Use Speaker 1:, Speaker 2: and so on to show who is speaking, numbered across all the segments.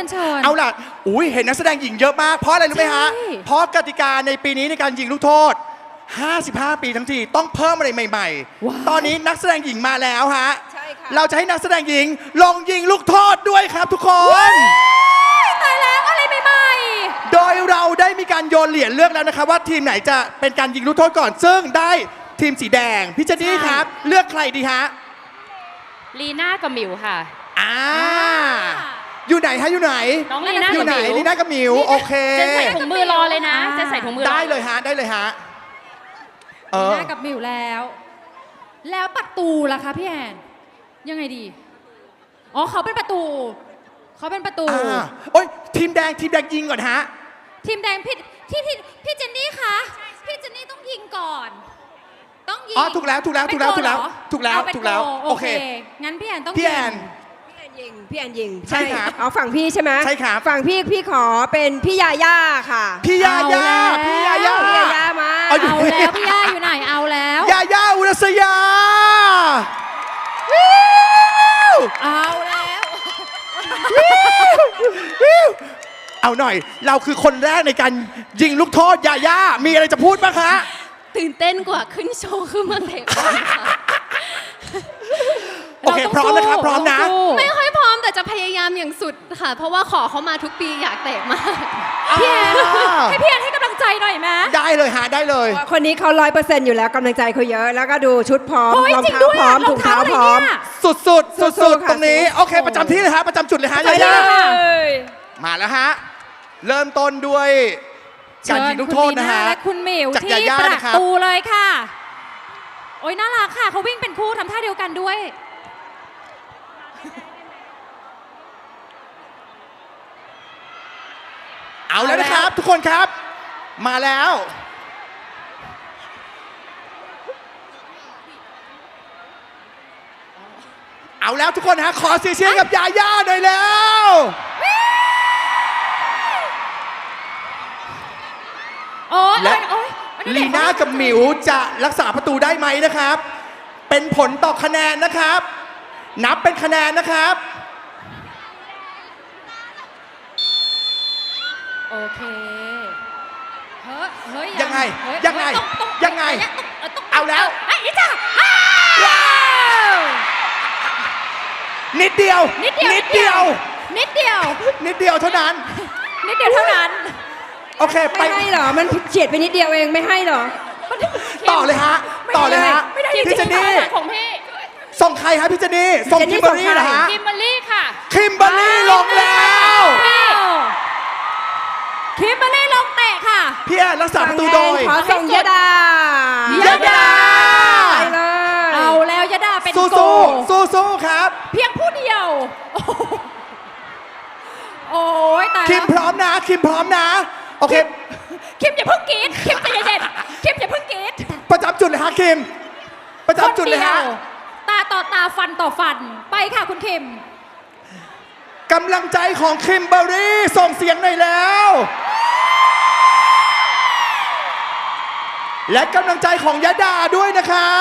Speaker 1: ยนเชิญ
Speaker 2: เอาล่ะอุ้ยเห็นนักแสดงหญิงเยอะมากเพราะอะไรรู้ไหมฮะ
Speaker 1: ใช่
Speaker 2: เพราะกติกาในปีนี้ในการยิงลูกโทษ 55 ปีทั้งทีต้องเพิ่มอะไรใหม่
Speaker 1: ว้าว
Speaker 2: ๆ ตอนนี้นักแสดงหญิงมาแล้วฮะ
Speaker 3: ใช่ค่ะ
Speaker 2: เราจะให้นักแสดงหญิงลองยิงลูกโทษด้วยครับทุกคน
Speaker 1: ตายแล้วอะไรใหม่
Speaker 2: โดยเราได้มีการโยนเหรียญเลือกแล้วนะครับว่าทีมไหนจะเป็นการยิงลูกโทษก่อน ซึ่งได้ทีมสีแดงพี่เจนนี่ครับ เลือกใครดีฮะ
Speaker 4: ลีน่ากับหมิวค่ะ
Speaker 2: อ่าอยู่ไหนฮะอยู่ไหน
Speaker 4: น้องลีน่า
Speaker 2: อยู่
Speaker 4: กับ
Speaker 2: ไหน
Speaker 4: หมิว
Speaker 2: ลีน่ากับหมิวโอเค
Speaker 4: เจนใส่ถุงมือรอเลยนะเจนใส่ถุงมือรอ
Speaker 2: ได้เลยฮะได้เลยฮะ
Speaker 1: ๆหน้ากับมิวแล้ว แล้วประตูล่ะคะพี่แอนยังไงดีอ๋อเขาเป็นประตูเขาเป็นประตู
Speaker 2: โอ้ยทีมแดงยิงก่อนฮะ
Speaker 1: ทีมแดงพี่เจนนี่คะพี่เจนนี่ต้องยิงก่อน ต้องยิง
Speaker 2: อ๋อถูกแล้ว
Speaker 1: เป็นโกเหรอ
Speaker 2: ถูกแล้ว
Speaker 1: เอาเป็น
Speaker 2: ถูกแล้ว
Speaker 1: โก
Speaker 2: โอเค
Speaker 1: งั้นพี่แอนต้อง
Speaker 2: พี่แอน
Speaker 1: ยิง
Speaker 3: พี่แอนยิง
Speaker 2: ใช่ครับ
Speaker 3: เอาฝั่งพี่ใช่ไหม
Speaker 2: ใช่ครับ
Speaker 3: ฝั่งพี่ขอเป็นพี่ยาย่าค่ะ
Speaker 2: พี่ยาย่า
Speaker 1: เอาแล้ว
Speaker 2: พี่ยาย่า
Speaker 3: พี่ยาย่ามา
Speaker 2: เอาอยู่
Speaker 1: เอาแล้วพี่ย่าอยู่ไหนเอาแล้ว
Speaker 2: ยาย่าอุรัสยา
Speaker 1: เอาแล้ว
Speaker 2: เอาหน่อย เราคือคนแรกในการยิงลูกโทษยาย่ามีอะไรจะพูดบ้างคะ
Speaker 4: ตื่นเต้นกว่าขึ้นโชว์ขึ้นมาเตะบอลค่ะ
Speaker 2: โอเคพร้อมนะครับพร้อมนะ
Speaker 1: เราต้องสู้
Speaker 4: ไม่ค่อยพร้อมแต่จะพยายามอย่างสุดค่ะ เพราะว่าขอเขามาทุกปีอยากเตะมาก
Speaker 1: พี่แอนให้พี่แอนให้กำลังใจหน่อยไหม
Speaker 2: ได้เลยฮะได้เลย
Speaker 3: คนนี้เขา100%อยู่แล้วกำลังใจเขาเยอะ แล้วก็ดูชุดพร้อม
Speaker 1: โอ้ย
Speaker 3: รอง
Speaker 1: จริง
Speaker 3: เท้า
Speaker 1: ด้วย
Speaker 3: พร้อม
Speaker 1: ร
Speaker 3: ถุ
Speaker 1: อง
Speaker 3: ง
Speaker 1: เท้า
Speaker 3: เท้า
Speaker 1: อะไร
Speaker 3: พร้อม
Speaker 1: เนี่ย
Speaker 2: สุด
Speaker 3: สู้ๆค่ะ
Speaker 2: ตรงนี้ โอเค ประจำที่เลยฮะประจำจุดเลยฮะ
Speaker 1: ประจำที่
Speaker 2: ยาย่า
Speaker 1: เลยค่ะ
Speaker 2: มาแล้วฮะ เริ่มต้นด้วยการยิงลูกโทษนะฮะ
Speaker 1: เชิญคุณลีน่าและคุณหมิว
Speaker 2: จาก
Speaker 1: ที่
Speaker 2: ยาย่า
Speaker 1: ประ
Speaker 2: นะครับ
Speaker 1: ตูเลยค่ะ โอ้ยน่ารักค่ะเขาวิ่งเป็นคู่ทำท่าเดียวกันด้วย
Speaker 2: เอาแล้วนะครับ ทุกคนครับ มาแล้ว เอาแล้วทุกคนฮะขอเสียงเชียร์กับยาย่าหน่อยแล้ว
Speaker 1: โอ้ย
Speaker 2: และ
Speaker 1: โอ้ย
Speaker 2: ลีน่ากับหมิวจะรักษาประตูได้ไหมนะครับ เป็นผลต่อคะแนนนะครับ นับเป็นคะแนนนะครับ
Speaker 1: โอเคเฮ้ย
Speaker 2: ยังไง
Speaker 1: เฮ้
Speaker 2: ยังไง
Speaker 1: ต้อง
Speaker 2: ยังไง
Speaker 1: ต้อง
Speaker 2: เอาแล้ว
Speaker 1: ไอ้ยจ้าอ้าว
Speaker 2: นิดเดียว
Speaker 1: นิดเดียว
Speaker 2: นิดเดียว
Speaker 1: นิดเดียว
Speaker 2: นิดเดียวเท่านั้น
Speaker 1: นิดเดียวเท่านั้น
Speaker 2: โอเคไป
Speaker 3: ไม่ให้เหรอ มันเฉียดไปนิดเดียวเองไม่ให้เหรอ
Speaker 2: ต่อเลยฮะ ต่อเลยฮะ
Speaker 1: ไม่ได้
Speaker 2: พี่เจนนี่
Speaker 4: ของพี่
Speaker 2: ส่งใครฮะพี่เจนนี่ ส่ง
Speaker 3: เจนนี่
Speaker 2: คิมเบอรรี่
Speaker 3: ส่งใคร
Speaker 2: เหรอฮะ
Speaker 4: คิมเบอรรี่ค่ะ
Speaker 2: คิมเบอรรี่ลงแล้ว
Speaker 1: คิมเบอรรี่ลงเตะค่ะ
Speaker 2: พี่แอนรักษาประตูโดย
Speaker 3: ขอส่งยดาย
Speaker 2: าย่า
Speaker 3: ไปเลย
Speaker 1: เอาแล้วยดาเป็น
Speaker 2: สู้
Speaker 1: โก
Speaker 2: สู้สู้ๆครับ
Speaker 1: เพียงผู้เดียว โอ้ยตาย
Speaker 2: คิม
Speaker 1: แล้ว
Speaker 2: พร้อมนะ คิมพร้อมนะ โอเค
Speaker 1: คิมอย่าเพิ่งกรีดคิมใจเย็นๆคิมอย่าเพิ่งกรีด
Speaker 2: ประจำจุดเลยฮะคิม ประจำจุดเลยฮะ
Speaker 1: คนดีวตาต่อตาฟันต่อฟัน ไปค่ะคุณคิม
Speaker 2: กำลังใจของคิมเบอรรี่ส่งเสียงหน่อยแล้ว และกำลังใจของยะดาด้วยนะครับ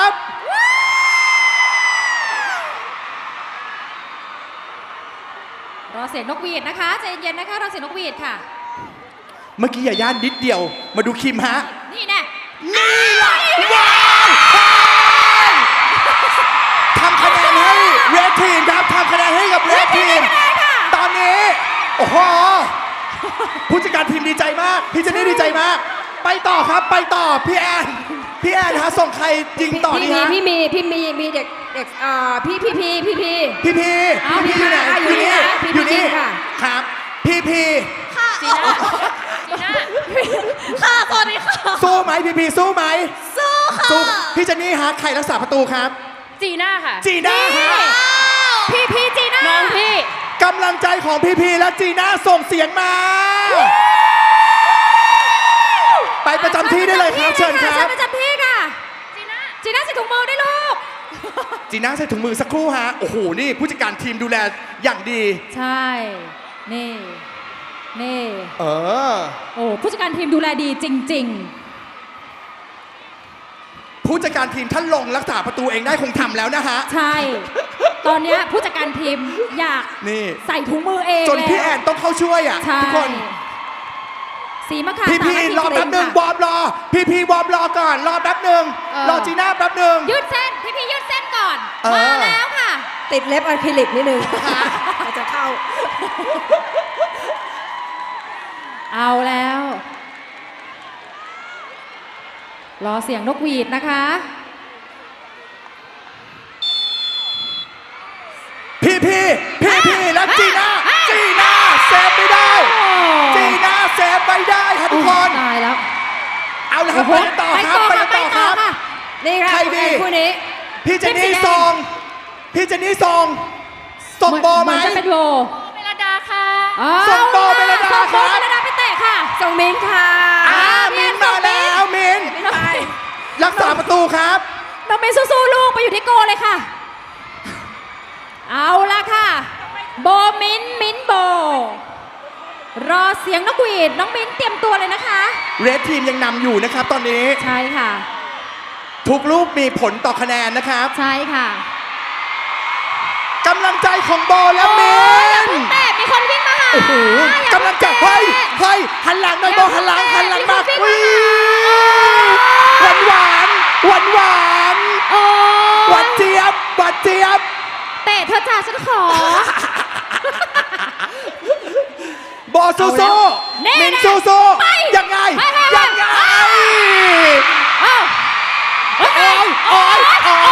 Speaker 1: รอเสียงนกหวีดนะคะใจเย็นๆนะคะรอเสียงนกหวีดค่ะ
Speaker 2: เมื่อกี้ยาย่านิดเดียว มาดูคิมฮะ
Speaker 1: นี่แน่
Speaker 2: นี่แหละว้าวทำคะแนนให้เรดทีมครับทำคะแนนให้กับเรดทีม ตอนนี้ โอ้โห ผู้จัดการทีมดีใจมาก พี่เจนนี่ดีใจมาก ไปต่อครับ ไปต่อ พี่แอน พี่แอนฮะ ส่งใครยิงต่อดีฮะ
Speaker 3: พี่มีเด็กพี่
Speaker 2: พี่อยู่ไหน
Speaker 3: อยู่นี่นะพี่
Speaker 2: อยู่นี่
Speaker 3: ค่ะ
Speaker 2: ครับ พี่
Speaker 4: จีน่าจีน่าค่ะสวัสดีค่ะ
Speaker 2: สู้ไหมพี่สู้ไหม
Speaker 4: สู้ค่ะ
Speaker 2: สู้พี่เจนนี่ฮะ ใครรักษาประตูครับ
Speaker 4: จีน่าค่ะ
Speaker 2: จีน่าฮะ
Speaker 1: พี่จีน่า
Speaker 4: น้องพี่
Speaker 2: กำลังใจของพี่และจีน่าส่งเสียงมา ไปประจำที่ได้เลยครับ เชิญครับ
Speaker 1: ประจำที่ค่ะ
Speaker 4: จีน่า
Speaker 1: จีน่าใส่ถุงมือได้ลูก
Speaker 2: จีน่าใส่ถุงมือสักครู่ฮะ โอ้โห นี่ผู้จัดการทีมดูแลอย่างดี
Speaker 1: ใช่ นี่ นี่
Speaker 2: เออ
Speaker 1: โอ้ผู้จัดการทีมดูแลดีจริง
Speaker 2: ผู้จัดการทีมท่านลงรักษาประตูเองได้คงทำแล้วนะฮะ
Speaker 1: ๆ ใช่ตอนเนี้ยผู้จัดการทีมอยาก
Speaker 2: นี่
Speaker 1: ใส่ถุงมือเอง
Speaker 2: จนพี่แอ
Speaker 1: แล้ว
Speaker 2: นต้องเข้าช่วยอ่ะ
Speaker 1: ใช่
Speaker 2: ทุกคน
Speaker 1: สีมะขาม
Speaker 2: พี่
Speaker 1: สามัคคี
Speaker 2: รอแป๊บหนึ่ง
Speaker 1: ค่ะ
Speaker 2: วอร์มรอ พี่วอร์มรอก่อนรอแป๊บหนึ่ง
Speaker 1: เออ
Speaker 2: รอจีน่าแป๊บหนึ่ง
Speaker 1: ยืดเส้นพี่ยืดเส้นก่อน
Speaker 2: เออ
Speaker 1: มาแล้วค่ะ
Speaker 3: ติดเล็บอะคริลิกนิดนึงจะเข้า
Speaker 1: เอาแล้ว รอเสียงนกหวีดนะคะ
Speaker 2: พี่แล้วจีน่าเซฟไม่ได้ จีน่าเซฟไม่ได้ครับทุกคน
Speaker 1: ตายแล้ว
Speaker 2: เอาละครับไปกันต่อครับไปกันต่อครับ
Speaker 1: ค่ะ
Speaker 3: นี่ค่ะ
Speaker 2: ใครดี
Speaker 3: คู่นี้
Speaker 2: พี่เจนนี่
Speaker 1: เทพสีแดง
Speaker 2: ส่งบอลไหม
Speaker 1: เหนจะเป็นโบ
Speaker 4: เมลดาค่ะ
Speaker 2: ส่งโบเมลดา
Speaker 1: ส่งโบ
Speaker 2: ครับ
Speaker 1: เมลดาไปเตะค่ะ
Speaker 3: ส่งมิ้นค่ะ
Speaker 2: มินมาแล้วมิน
Speaker 3: มิ้นไป
Speaker 2: รักษาประตูครับ
Speaker 1: น้องเมย์สู้ๆลูกไปอยู่ที่โกเลยค่ะ เอาละค่ะ โบมิ้นโบ รอเสียงนกหวีดน้องมิ้นเตรียมตัวเลยนะคะ
Speaker 2: เรดทีมยังนำอยู่นะครับตอนนี้
Speaker 1: ใช่ค่ะ
Speaker 2: ทุกลูกมีผลต่อคะแนนนะครับ
Speaker 1: ใช่ค่ะ
Speaker 2: กำลังใจของโบและมิน
Speaker 1: แต่มีคนวิ่งมาหา
Speaker 2: โอ้โห
Speaker 1: อย่าก
Speaker 2: ำลังใจเฮ้ยหันหลังหน่อยโบหันหลังมาก
Speaker 1: มีคนวิ่ง
Speaker 2: อุ้ย
Speaker 1: มา
Speaker 2: หวาน
Speaker 1: โอ้
Speaker 2: หวานเจี๊ยบ
Speaker 1: เตะเธอจ่าฉันขอ
Speaker 2: โบสู้
Speaker 1: เอาแล้วแน่
Speaker 2: มิน
Speaker 1: ๆ
Speaker 2: สู้
Speaker 1: ไป
Speaker 2: ยังไง
Speaker 1: ไป
Speaker 2: ยังไง
Speaker 1: เอ้า
Speaker 2: โอ้ย
Speaker 1: โอ้ย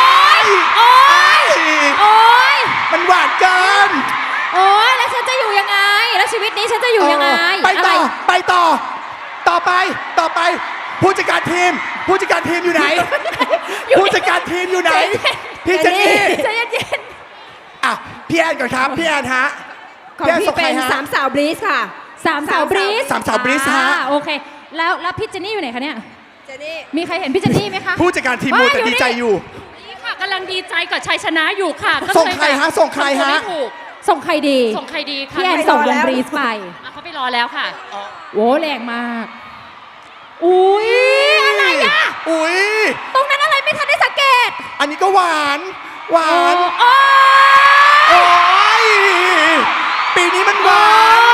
Speaker 2: มันหวานเกิน
Speaker 1: โอ้ยแล้วฉันจะอยู่ยังไง แล้วชีวิตนี้ฉันจะอยู่ยังไง
Speaker 2: ไปต่อ
Speaker 1: อะไร
Speaker 2: ไปต่อไปผู้จัดการทีมอยู่ไหน ผู้จัดการทีมอยู่ไหน พี่เจนนี่
Speaker 1: ใจเย็น
Speaker 2: อ่ะพี่แอนก่อนครับพี่แอนฮะ
Speaker 3: ของ
Speaker 2: พี่แอน
Speaker 3: พี่
Speaker 2: ส่ง
Speaker 3: เป็
Speaker 2: ใคร
Speaker 3: น
Speaker 2: ฮะ
Speaker 3: สามสาวบลีสค่ะ
Speaker 1: ๆสามสาวบรีส
Speaker 2: สามสาวบรีสฮะ
Speaker 1: โอเค แล้วพี่เจนนี่อยู่ไหนคะเนี่ย
Speaker 3: เจนี่
Speaker 1: มีใครเห็นพี่เจนนี่ไหมคะ
Speaker 2: ผู้จัดการทีมมัวแต่ดีใจอยู่
Speaker 4: นี่ค่ะกำลังดีใจกับชัยชนะอยู่ค่ะก็เลย
Speaker 2: ส่งใครฮะส่งใครฮะ
Speaker 4: ทำตัวไม่ถูก
Speaker 1: ส่งใครดี
Speaker 4: ส่งใครดีค่ะ
Speaker 1: พี่แอนส่งวงบรีสไป
Speaker 4: อ่ะเขาไปรอแล้วค่ะ
Speaker 1: โว้แรงมาก อุ้ยอะไรอ่ะ
Speaker 2: อุ้ย
Speaker 1: ตรงนั้นอะไรไม่ทันได้สังเกต
Speaker 2: อันนี้ก็หวาน
Speaker 1: โอ้
Speaker 2: โอ้ยปีนี้มันหวาน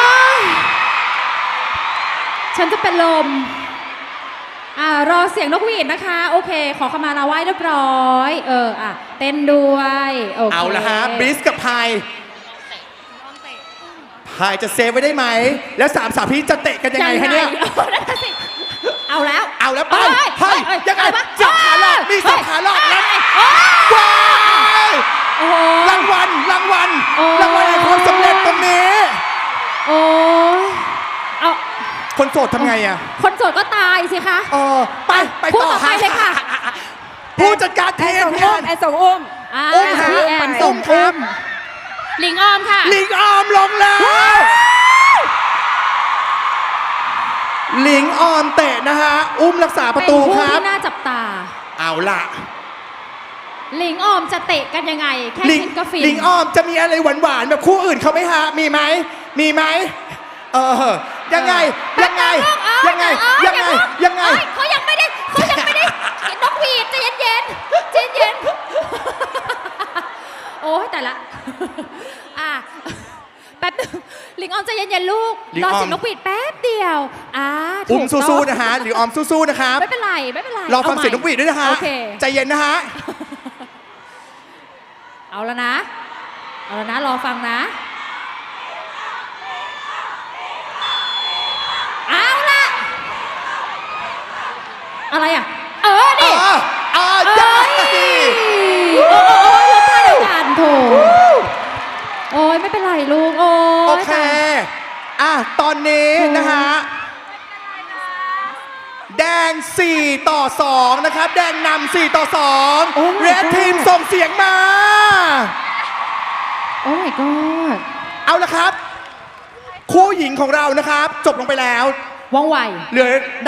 Speaker 1: ฉันจะเป็นลม รอเสียงนกหวีดนะคะ โอเค ขอขมาลาไหว้เรียบร้อย เต้นด้วย โอเค
Speaker 2: เอาละฮะบริสกับไพายจะเซฟไว้ได้ไหม แล้วสามสาวพี่จะเตะกันยังไงฮะเนี่ย
Speaker 1: นั่นน่ะสิเอาแล้ว
Speaker 2: เอาแล้วไป
Speaker 1: เฮ้ย
Speaker 2: ยังไง
Speaker 1: อะไรวะ
Speaker 2: สับขาหลอกมีสับขาหลอกแล้ว
Speaker 1: เฮ้ย
Speaker 2: ว้าว
Speaker 1: โอ้โห
Speaker 2: รางวัล
Speaker 1: โอ้
Speaker 2: รางวัลแห่งความสำเร็จตรงนี้
Speaker 1: โอ้ยเอา
Speaker 2: คนโสดทำไงอ่ะ
Speaker 1: คนโสดก็ตายสิคะ
Speaker 2: ไป
Speaker 1: พูด
Speaker 2: ต่อ
Speaker 1: ต่อไปเลยค่ะ
Speaker 2: ผู้จัดการ
Speaker 3: แอ
Speaker 2: ที
Speaker 3: น
Speaker 2: ม
Speaker 3: ส่ง
Speaker 2: พี่แอ
Speaker 3: อุ้ม
Speaker 2: น
Speaker 3: แอนส่งอุ้ม
Speaker 2: อุ้มฮะ
Speaker 1: พี่แอน
Speaker 3: อุ้
Speaker 1: ส่ง
Speaker 3: มครับ
Speaker 4: หลิงออมค่ะ
Speaker 2: ลิงออมลงแล้ว ลิงออมเตะนะฮะ อุ้มรักษาประตู
Speaker 1: เป็น
Speaker 2: ค
Speaker 1: ผู้
Speaker 2: รับ
Speaker 1: ที่น่าจับตา
Speaker 2: เอาล่ะ
Speaker 1: หลิงออมจะเตะกันยังไง แค่
Speaker 2: ลิง
Speaker 1: คิดก็ฟิน
Speaker 2: ลิงออมจะมีอะไรหวานๆแบบคู่อื่นเขาไหมฮะ มีไหม ยังไง ยังไง ยังไง ยังไง ยังไง
Speaker 1: เขายังไม่ได้นกหวีดใจเย็นๆใจเย็นโอ้ยแต่ละแป๊บนึงหลิงออมใจเย็นๆลูก
Speaker 2: ลิง
Speaker 1: ร
Speaker 2: อ
Speaker 1: อ
Speaker 2: อม
Speaker 1: เสียงนกหวีดแป๊บเดียวถู
Speaker 2: อุ้ม
Speaker 1: กต้อง
Speaker 2: สู้ๆนะฮะ หรือออมสู้ๆนะครับ
Speaker 1: ไม่เป็นไรไม่เป็นไร
Speaker 2: รอฟัง
Speaker 1: อาใหม่
Speaker 2: เสียงนกหวีดด้วยนะฮะ
Speaker 1: โอเค
Speaker 2: ใจเย็นนะฮะ
Speaker 1: เอาแล้วนะรอฟังนะ เอาละอะไรอ่ะ นี่
Speaker 2: ยังไง
Speaker 1: โอ้ยลบท่าเดียวกันโถโอ้ยไม่เป็นไรลูก โอ้
Speaker 2: โอย เค ตอนนี้นะฮะ แดง 4-2 นะครับ แดงนำ4-2 เรดทีมส่งเสียงมา
Speaker 1: โอ้ my god
Speaker 2: เอาละครับ คู่หญิงของเรานะครับ จบลงไปแล้ว
Speaker 1: ว่องไว
Speaker 2: เหลือ